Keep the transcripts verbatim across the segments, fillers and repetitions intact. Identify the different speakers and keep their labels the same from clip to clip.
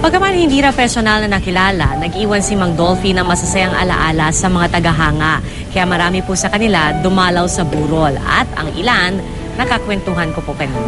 Speaker 1: Pagkaman hindi na personal na nakilala, nag-iwan si Mang Dolphy ng masasayang alaala sa mga tagahanga. Kaya marami po sa kanila dumalaw sa burol at ang ilan nakakwentuhan ko po kanina.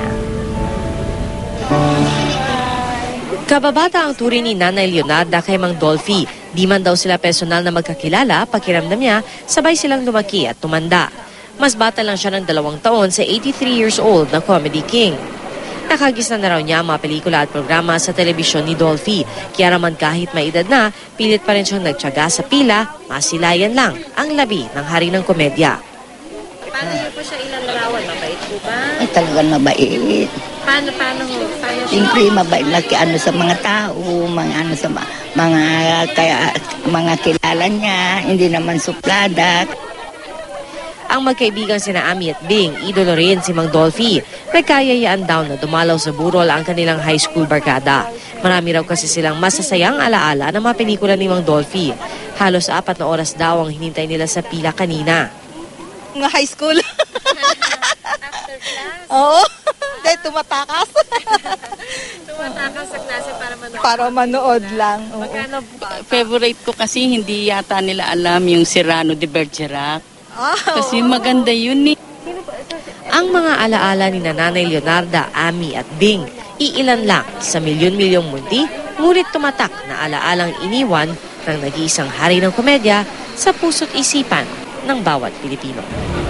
Speaker 1: Kababata ang turing ni Nanay Leonarda kay Mang Dolphy. Di man daw sila personal na magkakilala, pakiramdam niya, sabay silang lumaki at tumanda. Mas bata lang siya ng dalawang taon sa eighty-three years old na Comedy King. Nakagis na raw niya ang mga pelikula at programa sa telebisyon ni Dolphy. Kaya naman kahit may edad na, pilit pa rin siyang nagtiyaga sa pila, masilayan lang ang labi ng hari ng komedya. Paano niyo po siya ilalarawan? Mabait po ba?
Speaker 2: Ay, talagang mabait.
Speaker 1: Paano, paano ho? Paano
Speaker 2: Siyempre, mabait na ano sa mga tao, mga ano sa ma- mga kaya mga kilala niya, hindi naman suplada.
Speaker 1: Ang magkaibigang sina Ami at Bing, idolo rin si Mang Dolphy. Nagkayayaan daw na dumalaw sa burol ang kanilang high school barkada. Marami raw kasi silang masasayang alaala ng mga pelikula ni Mang Dolphy. Halos apat na oras daw ang hinintay nila sa pila kanina.
Speaker 3: Mga high school.
Speaker 1: After class?
Speaker 3: Oo. Dahil tumatakas.
Speaker 1: Tumatakas sa klase para manood.
Speaker 3: Para manood lang. Oo.
Speaker 1: Magkano ba?
Speaker 4: Favorite ko kasi hindi yata nila alam yung Cyrano de Bergerac.
Speaker 3: Ah,
Speaker 4: Kasi maganda yun eh.
Speaker 1: Ang mga alaala ni Nanay Leonarda, Ami at Bing, iilan lang sa milyon-milyong mundi, ngunit tumatak na alaalang iniwan ng nag-iisang hari ng komedya sa puso't isipan ng bawat Pilipino.